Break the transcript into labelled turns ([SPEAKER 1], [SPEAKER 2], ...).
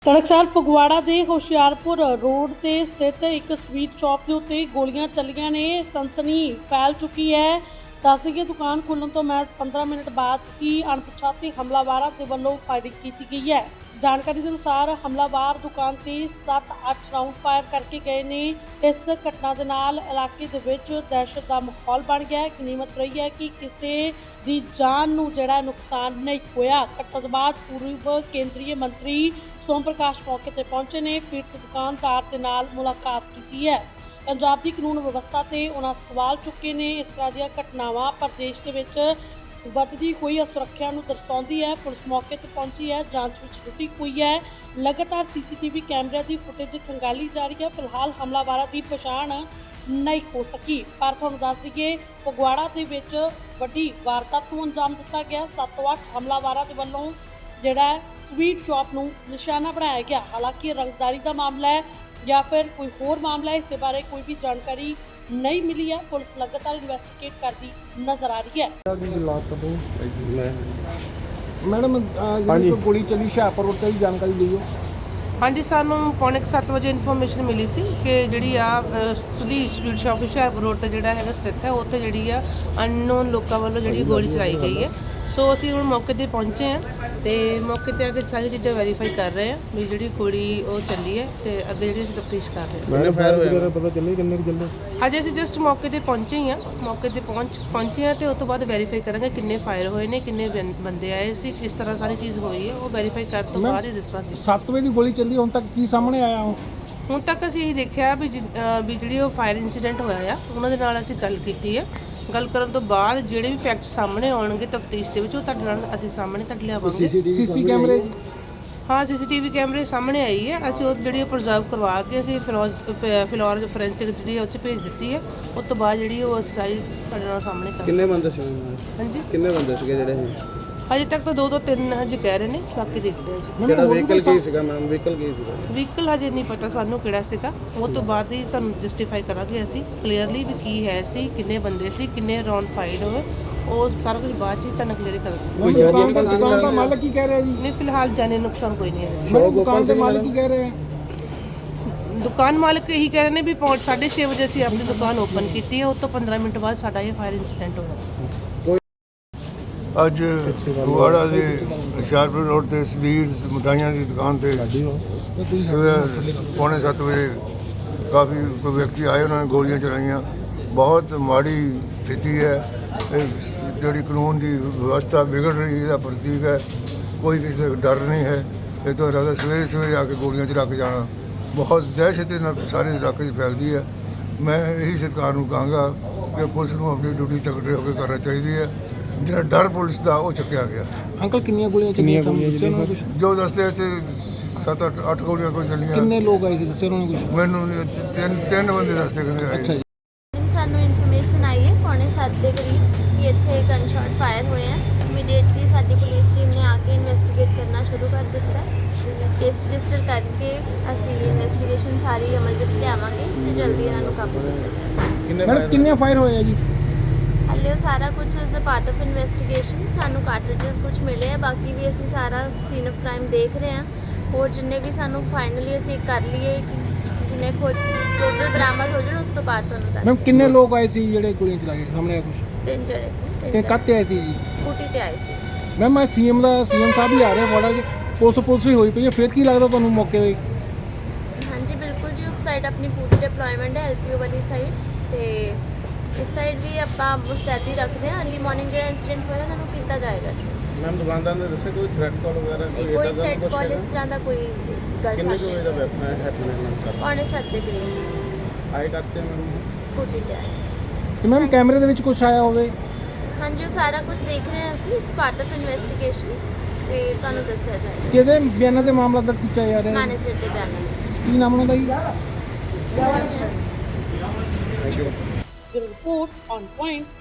[SPEAKER 1] ਤੜਕਸਾਰ ਫਗਵਾੜਾ ਦੇ ਹੁਸ਼ਿਆਰਪੁਰ ਰੋਡ ਤੇ ਸਥਿਤ ਇੱਕ ਸਵੀਟ ਸ਼ਾਪ ਦੇ ਉੱਤੇ ਗੋਲੀਆਂ ਚੱਲੀਆਂ ਨੇ। ਸਨਸਨੀ ਫੈਲ ਚੁੱਕੀ ਹੈ। ਦੱਸ ਦਈਏ ਦੁਕਾਨ ਖੁੱਲ੍ਹਣ ਤੋਂ ਮਹਿਜ਼ 15 ਮਿੰਟ ਬਾਅਦ ਹੀ ਅਣਪਛਾਤੇ ਹਮਲਾਵਰਾਂ ਦੇ ਵੱਲੋਂ ਫਾਇਰਿੰਗ ਕੀਤੀ ਗਈ ਹੈ। ਜਾਣਕਾਰੀ ਦੇ ਅਨੁਸਾਰ ਹਮਲਾਵਰ ਦੁਕਾਨ ਤੇ 7-8 ਰਾਊਂਡ ਫਾਇਰ ਕਰਕੇ ਗਏ ਨੇ। ਇਸ ਘਟਨਾ ਦੇ ਨਾਲ ਇਲਾਕੇ ਦੇ ਵਿੱਚ ਦਹਿਸ਼ਤ ਦਾ ਮਾਹੌਲ ਬਣ ਗਿਆ ਹੈ। ਗਨੀਮਤ ਰਹੀ ਹੈ ਕਿ ਕਿਸੇ ਦੀ ਜਾਨ ਨੂੰ ਜਿਹੜਾ ਨੁਕਸਾਨ ਨਹੀਂ ਹੋਇਆ। ਘਟਨਾ ਤੋਂ ਬਾਅਦ ਪੂਰਵ ਕੇਂਦਰੀ ਮੰਤਰੀ ਸੋਮ ਪ੍ਰਕਾਸ਼ ਮੌਕੇ ਤੇ ਪਹੁੰਚੇ ਨੇ। ਪੀੜਤ ਦੁਕਾਨਦਾਰ ਦੇ ਨਾਲ ਮੁਲਾਕਾਤ ਕੀਤੀ ਹੈ। ਪੰਜਾਬ ਦੀ ਕਾਨੂੰਨ ਵਿਵਸਥਾ ਤੇ ਉਹਨਾਂ ਸਵਾਲ ਚੁੱਕੇ ਨੇ। ਇਸ ਤਰ੍ਹਾਂ ਦੀਆਂ ਘਟਨਾਵਾਂ ਪ੍ਰਦੇਸ਼ ਦੇ ਵਿੱਚ ਵੱਧਦੀ ਹੋਈ ਅਸੁਰੱਖਿਆ ਨੂੰ ਦਰਸਾਉਂਦੀ ਹੈ। ਪੁਲਿਸ ਮੌਕੇ ਤੇ ਪਹੁੰਚੀ ਹੈ, ਜਾਂਚ ਵਿੱਚ ਜੁਟੀ ਹੋਈ ਹੈ। ਲਗਾਤਾਰ ਸੀਸੀਟੀਵੀ ਕੈਮਰਿਆਂ ਦੀ ਫੁਟੇਜ ਖੰਗਾਲੀ ਜਾ ਰਹੀ ਹੈ। ਫਿਲਹਾਲ ਹਮਲਾਵਰਾਂ ਦੀ ਪਛਾਣ ਨਹੀਂ ਹੋ ਸਕੀ, ਪਰ ਤੁਹਾਨੂੰ ਦੱਸ ਦਈਏ ਫਗਵਾੜਾ ਦੇ ਵਿੱਚ ਵੱਡੀ ਵਾਰਦਾਤ ਨੂੰ ਅੰਜਾਮ ਦਿੱਤਾ ਗਿਆ। 7 ਤੋਂ 8 ਹਮਲਾਵਰਾਂ ਦੇ ਵੱਲੋਂ ਜਿਹੜਾ ਸਵੀਟ ਸ਼ਾਪ ਨੂੰ ਨਿਸ਼ਾਨਾ ਬਣਾਇਆ ਗਿਆ। ਹਾਲਾਂਕਿ ਰੰਗਦਾਰੀ ਦਾ ਮਾਮਲਾ ਹੈ ਜਾਂ ਫਿਰ ਕੋਈ ਹੋਰ ਮਾਮਲਾ ਹੈ, ਇਸ ਦੇ ਬਾਰੇ ਕੋਈ ਵੀ ਜਾਣਕਾਰੀ ਨਹੀਂ ਮਿਲੀ ਹੈ। ਪੁਲਿਸ ਲਗਾਤਾਰ ਇਨਵੈਸਟੀਗੇਟ ਕਰਦੀ ਨਜ਼ਰ ਆ ਰਹੀ ਹੈ।
[SPEAKER 2] ਮੈਡਮ ਜਿਹੜੀ ਗੋਲੀ ਚੱਲੀ ਹੁਸ਼ਿਆਰਪੁਰ ਰੋਡ ਤੇ ਜਾਣਕਾਰੀ ਦਿਓ।
[SPEAKER 3] ਹਾਂਜੀ, ਸਾਨੂੰ ਪੌਣੇ 7 ਵਜੇ ਇਨਫੋਰਮੇਸ਼ਨ ਮਿਲੀ ਸੀ ਕਿ ਜਿਹੜੀ ਆ Sudhir sweet shop Hoshiarpur road ਤੇ ਜਿਹੜਾ ਹੈਗਾ ਸਥਿਤ ਹੈ, ਉੱਥੇ ਜਿਹੜੀ ਆ ਅਨਨੋਨ ਲੋਕਾਂ ਵੱਲੋਂ ਜਿਹੜੀ ਗੋਲੀ ਚਲਾਈ ਗਈ ਹੈ। ਸੋ ਅਸੀਂ ਹੁਣ ਮੌਕੇ ਤੇ ਪਹੁੰਚੇ ਹਾਂ ਤੇ ਮੌਕੇ ਤੇ ਆ ਕੇ ਸਾਰੀ ਚੀਜ਼ਾਂ ਵੈਰੀਫਾਈ ਕਰ ਰਹੇ ਹਾਂ ਵੀ ਜਿਹੜੀ ਗੋਲੀ ਉਹ ਚੱਲੀ ਹੈ ਤੇ ਅੱਗੇ ਜਿਹੜੀ ਅਸੀਂ ਤਫਤੀਸ਼ ਕਰ ਰਹੇ ਹਾਂ।
[SPEAKER 2] ਕਿੰਨੇ ਫਾਇਰ ਹੋਇਆ ਪਤਾ ਚੱਲੇ ਕਿੰਨੇ ਕੁ ਚੱਲੇ?
[SPEAKER 3] ਅੱਜ ਅਸੀਂ ਜਸਟ ਮੌਕੇ ਤੇ ਪਹੁੰਚੇ ਹੀ ਹਾਂ। ਮੌਕੇ ਤੇ ਪਹੁੰਚੇ ਹਾਂ ਤੇ ਉਸ ਤੋਂ ਬਾਅਦ ਵੈਰੀਫਾਈ ਕਰਾਂਗੇ ਕਿੰਨੇ ਫਾਇਰ ਹੋਏ ਨੇ, ਕਿੰਨੇ ਬੰਦੇ ਆਏ ਸੀ, ਕਿਸ ਤਰ੍ਹਾਂ ਸਾਰੀ ਚੀਜ਼ ਹੋਈ ਹੈ, ਉਹ ਵੈਰੀਫਾਈ ਕਰਨ ਤੋਂ ਬਾਅਦ ਹੀ ਦੱਸਾਂਗੇ।
[SPEAKER 2] 7 ਵਜੇ ਦੀ ਗੋਲੀ ਚੱਲੀ, ਹੁਣ ਤੱਕ ਕੀ ਸਾਹਮਣੇ ਆਇਆ?
[SPEAKER 3] ਹੁਣ ਤੱਕ ਅਸੀਂ ਇਹ ਦੇਖਿਆ ਵੀ ਜਿਹੜੀ ਉਹ ਫਾਇਰ ਇਨਸੀਡੈਂਟ ਹੋਇਆ ਆ ਉਹਨਾਂ ਦੇ ਨਾਲ ਅਸੀਂ ਗੱਲ ਕੀਤੀ ਹੈ। ਗੱਲ ਕਰਨ ਤੋਂ ਬਾਅਦ ਜਿਹੜੇ ਵੀ ਫੈਕਟ ਸਾਹਮਣੇ ਆਉਣਗੇ ਤਫਤੀਸ਼ ਦੇ ਵਿੱਚ ਉਹ ਤੁਹਾਡੇ ਨਾਲ ਅਸੀਂ ਸਾਹਮਣੇ ਤੱਕ ਲਿਆਵਾਂਗੇ।
[SPEAKER 2] ਸੀਸੀ ਕੈਮਰੇ?
[SPEAKER 3] ਹਾਂ, ਸੀਸੀਟੀਵੀ ਕੈਮਰੇ ਸਾਹਮਣੇ ਆਈ ਹੈ। ਅਸੀਂ ਉਹ ਜਿਹੜੀ ਪ੍ਰੀਜ਼ਰਵ ਕਰਵਾ ਕੇ ਅਸੀਂ ਫਿਲੌਰ ਫੋਰੈਂਸਿਕ ਜਿਹੜੀ ਉਹ 'ਚ ਭੇਜ ਦਿੱਤੀ ਹੈ। ਉਸ ਤੋਂ ਬਾਅਦ ਜਿਹੜੀ ਉਹ ਅਸੀਂ ਸਾਰੀ ਤੁਹਾਡੇ ਨਾਲ ਸਾਹਮਣੇ ਕਰਾਂਗੇ।
[SPEAKER 4] ਕਿੰਨੇ ਬੰਦੇ ਸੀ?
[SPEAKER 3] ਹਾਂਜੀ,
[SPEAKER 4] ਕਿੰਨੇ ਬੰਦੇ ਸੀਗੇ ਜਿਹੜੇ?
[SPEAKER 3] ਹਜੇ ਤੱਕ ਤਾਂ 2 ਤੋਂ 3 ਹਜੇ ਕਹਿ ਰਹੇ ਨੇ, ਬਾਕੀ ਦੇਖਦੇ ਹਾਂ ਜੀ।
[SPEAKER 4] ਕਿਹੜਾ ਵਹੀਕਲ ਕੀ ਸੀਗਾ ਮੈਮ? ਵਹੀਕਲ ਕੀ ਸੀਗਾ?
[SPEAKER 3] ਵਹੀਕਲ ਹਜੇ ਨਹੀਂ ਪਤਾ ਸਾਨੂੰ ਕਿਹੜਾ ਸੀਗਾ। ਉਹ ਤੋਂ ਬਾਅਦ ਹੀ ਸਾਨੂੰ ਜਸਟੀਫਾਈ ਕਰਾਂਗੇ ਅਸੀਂ ਕਲੀਅਰਲੀ ਵੀ ਕੀ ਹੈ ਸੀ, ਕਿੰਨੇ ਬੰਦੇ ਸੀ, ਕਿੰਨੇ ਰਾਉਂਡ ਫਾਇਰ ਹੋਏ, ਉਹ ਸਾਰਾ ਕੁਝ ਬਾਅਦ 'ਚ ਹੀ ਤੁਹਾਨੂੰ ਕਲੀਅਰ ਕਰਾਂਗੇ।
[SPEAKER 2] ਦੁਕਾਨ ਦਾ ਮਾਲਕ ਕੀ ਕਹਿ ਰਿਹਾ ਜੀ?
[SPEAKER 3] ਨਹੀਂ, ਫਿਲਹਾਲ ਜਾਨੀ ਨੁਕਸਾਨ ਕੋਈ ਨਹੀਂ ਹੈ।
[SPEAKER 2] ਦੁਕਾਨ ਦੇ ਮਾਲਕ ਕੀ ਕਹਿ ਰਹੇ ਆ?
[SPEAKER 3] ਦੁਕਾਨ ਮਾਲਕ ਇਹੀ ਕਹਿ ਰਹੇ ਨੇ ਵੀ 6:30 ਵਜੇ ਅਸੀਂ ਆਪਣੀ ਦੁਕਾਨ ਓਪਨ ਕੀਤੀ ਹੈ। ਉਸ ਤੋਂ 15 ਮਿੰਟ ਬਾਅਦ ਸਾਡਾ ਇਹ ਫਾਇਰ ਇਨਸੀਡੈਂਟ ਹੋਇਆ।
[SPEAKER 5] ਅੱਜ ਫਗਵਾੜਾ ਦੇ ਹੁਸ਼ਿਆਰਪੁਰ ਰੋਡ ਤੇ ਸੁਧੀਰ ਮਿਠਾਈਆਂ ਦੀ ਦੁਕਾਨ ਤੇ ਸਵੇਰ ਪੌਣੇ 7 ਵਜੇ ਕਾਫੀ ਕੋਈ ਵਿਅਕਤੀ ਆਏ, ਉਹਨਾਂ ਨੇ ਗੋਲੀਆਂ ਚਲਾਈਆਂ। ਬਹੁਤ ਮਾੜੀ ਸਥਿਤੀ ਹੈ। ਇਹ ਜਿਹੜੀ ਕਾਨੂੰਨ ਦੀ ਵਿਵਸਥਾ ਵਿਗੜ ਰਹੀ ਹੈ, ਇਹਦਾ ਪ੍ਰਤੀਕ ਹੈ। ਕੋਈ ਕਿਸੇ ਦਾ ਡਰ ਨਹੀਂ ਹੈ। ਇਹ ਤੋਂ ਇਲਾਵਾ ਸਵੇਰੇ ਆ ਕੇ ਗੋਲੀਆਂ ਚਲਾ ਕੇ ਜਾਣਾ ਬਹੁਤ ਦਹਿਸ਼ਤ ਨਾਲ ਸਾਰੇ ਇਲਾਕੇ 'ਚ ਫੈਲਦੀ ਹੈ। ਮੈਂ ਇਹੀ ਸਰਕਾਰ ਨੂੰ ਕਹਾਂਗਾ ਕਿ ਪੁਲਿਸ ਨੂੰ ਆਪਣੀ ਡਿਊਟੀ ਤਕੜੇ ਹੋ ਕੇ ਕਰਨਾ ਚਾਹੀਦੀ ਹੈ। ਜਿਹੜਾ ਡਰ ਪੁਲਿਸ ਦਾ ਉਹ ਚੁੱਕਿਆ ਗਿਆ।
[SPEAKER 2] ਅੰਕਲ ਕਿੰਨੀਆਂ ਗੋਲੀਆਂ ਚੱਲੀਆਂ?
[SPEAKER 5] ਜੋ ਦੱਸਦੇ ਤੇ 7-8 ਗੋਲੀਆਂ ਕੋਈ ਚੱਲੀਆਂ।
[SPEAKER 2] ਕਿੰਨੇ ਲੋਕ ਆਏ ਸੀ ਦੱਸਿਆ ਉਹਨਾਂ ਨੇ ਕੁਝ?
[SPEAKER 5] ਮੈਨੂੰ ਤਿੰਨ ਬੰਦੇ ਦੱਸਦੇ ਕਹਿੰਦੇ ਆਏ।
[SPEAKER 2] ਅੱਛਾ ਜੀ।
[SPEAKER 6] ਸਾਨੂੰ ਇਨਫੋਰਮੇਸ਼ਨ ਆਈ ਹੈ ਪੌਣੇ 7 ਦੇ ਕਰੀਬ ਕਿ ਇੱਥੇ ਗਨ ਸ਼ਾਟ ਫਾਇਰ ਹੋਏ ਹੈ। ਇਮੀਡੀਏਟਲੀ ਸਾਡੀ ਪੁਲਿਸ ਟੀਮ ਨੇ ਆ ਕੇ ਇਨਵੈਸਟੀਗੇਟ ਕਰਨਾ ਸ਼ੁਰੂ ਕਰ ਦਿੱਤਾ। ਕੇਸ ਰਜਿਸਟਰ ਕਰਕੇ ਅਸੀਂ ਇਨਵੈਸਟੀਗੇਸ਼ਨ ਸਾਰੀ ਅਮਲ ਵਿੱਚ ਲਿਆਵਾਂਗੇ ਤੇ ਜਲਦੀ ਇਹਨਾਂ ਨੂੰ ਕਾਬੂ ਕੀਤਾ ਜਾਏਗਾ।
[SPEAKER 2] ਕਿੰਨੇ ਫਾਇਰ ਹੋਏ ਆ ਜੀ?
[SPEAKER 6] ਹਾਲੇ ਸਾਰਾ ਕੁਝ is a part of investigation. ਸਾਨੂੰ ਕਾਰਟ੍ਰਿਜਸ ਕੁਝ ਮਿਲੇ ਆ, ਬਾਕੀ ਵੀ ਅਸੀਂ ਸਾਰਾ ਸੀਨ ਆਫ ਕ੍ਰਾਈਮ ਦੇਖ ਰਹੇ ਹਾਂ। ਹੋਰ ਜਿੰਨੇ ਵੀ ਸਾਨੂੰ ਫਾਈਨਲੀ ਅਸੀਂ ਕਰ ਲਈਏ ਜਿੰਨੇ ਟੋਟਲ ਬਰਾਮਦ ਹੋ ਜਾਣ ਉਸ ਤੋਂ ਬਾਅਦ ਤੁਹਾਨੂੰ ਦੱਸ।
[SPEAKER 2] ਮੈਮ ਕਿੰਨੇ ਲੋਕ ਆਏ ਸੀ ਜਿਹੜੇ ਗੋਲੀਆਂ ਚਲਾ ਕੇ ਸਾਹਮਣੇ ਆ? ਕੁਝ
[SPEAKER 6] 3 ਜਣੇ ਸੀ।
[SPEAKER 2] ਤੇ ਕੱਤੇ ਆਏ ਸੀ ਜੀ?
[SPEAKER 6] ਸਕੂਟੀ ਤੇ ਆਏ ਸੀ।
[SPEAKER 2] ਮੈਮ ਮੈਂ ਸੀਐਮ ਸਾਹਿਬ ਵੀ ਆ ਰਹੇ ਫਗਵਾੜਾ ਜੀ, ਪੁਲਿਸ ਵੀ ਹੋਈ ਪਈ ਹੈ। ਫਿਰ ਕੀ ਲੱਗਦਾ ਤੁਹਾਨੂੰ ਮੌਕੇ 'ਤੇ?
[SPEAKER 6] ਹਾਂਜੀ ਬਿਲਕੁਲ ਜੀ, ਉਸ ਸਾਈਡ ਆਪਣੀ ਪੂਰੀ ਡਿਪਲੋਇਮੈਂਟ ਹੈ ਐਲਪੀਓ ਵਾਲੀ ਸਾਈਡ, ਤੇ ਇਸ ਸਾਈਡ ਵੀ ਆਪਾਂ ਮੁਸਤੈਦੀ ਰੱਖਦੇ ਹਾਂ। ਅਰਲੀ ਮਾਰਨਿੰਗ ਜਿਹੜਾ ਇਨਸੀਡੈਂਟ ਹੋਇਆ ਉਹਨਾਂ ਨੂੰ ਕੀਤਾ ਜਾਏਗਾ।
[SPEAKER 4] ਮੈਮ ਦੁਕਾਨਦਾਰ ਨੇ ਦੱਸਿਆ ਕੋਈ ਥ੍ਰੈਟ ਕਾਲ ਵਗੈਰਾ?
[SPEAKER 6] ਕੋਈ ਥ੍ਰੈਟ ਕਾਲ ਇਸ ਤਰ੍ਹਾਂ ਦਾ ਕੋਈ ਗੱਲ
[SPEAKER 4] ਕਿੰਨੇ ਕੁ ਵਜੇ ਦਾ ਹੈਪਨ?
[SPEAKER 6] ਪੌਣੇ 7 ਦੇ ਕਰੀਬ
[SPEAKER 4] ਆਏ ਕਰਤੇ ਮੈਮ
[SPEAKER 6] ਸਕੂਟੀ ਤੇ ਆਏ।
[SPEAKER 2] ਤੇ ਮੈਮ ਕੈਮਰੇ ਦੇ ਵਿੱਚ ਕੁਝ ਆਇਆ ਹੋਵੇ?
[SPEAKER 6] ਹਾਂਜੀ, ਉਹ ਸਾਰਾ ਕੁਝ ਦੇਖ ਰਹੇ ਹਾਂ ਅਸੀਂ। ਇਟਸ ਪਾਰਟ ਆਫ ਇਨਵੈਸਟੀਗੇਸ਼ਨ ਤੇ ਤੁਹਾਨੂੰ ਦੱਸਿਆ ਜਾਏਗਾ।
[SPEAKER 2] ਕਿਹਦੇ ਬਿਆਨਾਂ ਤੇ ਮਾਮਲਾ ਦਰਜ ਕੀਤਾ ਜਾ ਰਿਹਾ ਹੈ?
[SPEAKER 6] ਮੈਨੇਜਰ ਦੇ ਬਿਆਨਾਂ।
[SPEAKER 2] ਕੀ ਨਾਮ ਉਹਨਾਂ ਦਾ ਜੀ?
[SPEAKER 1] Report on point.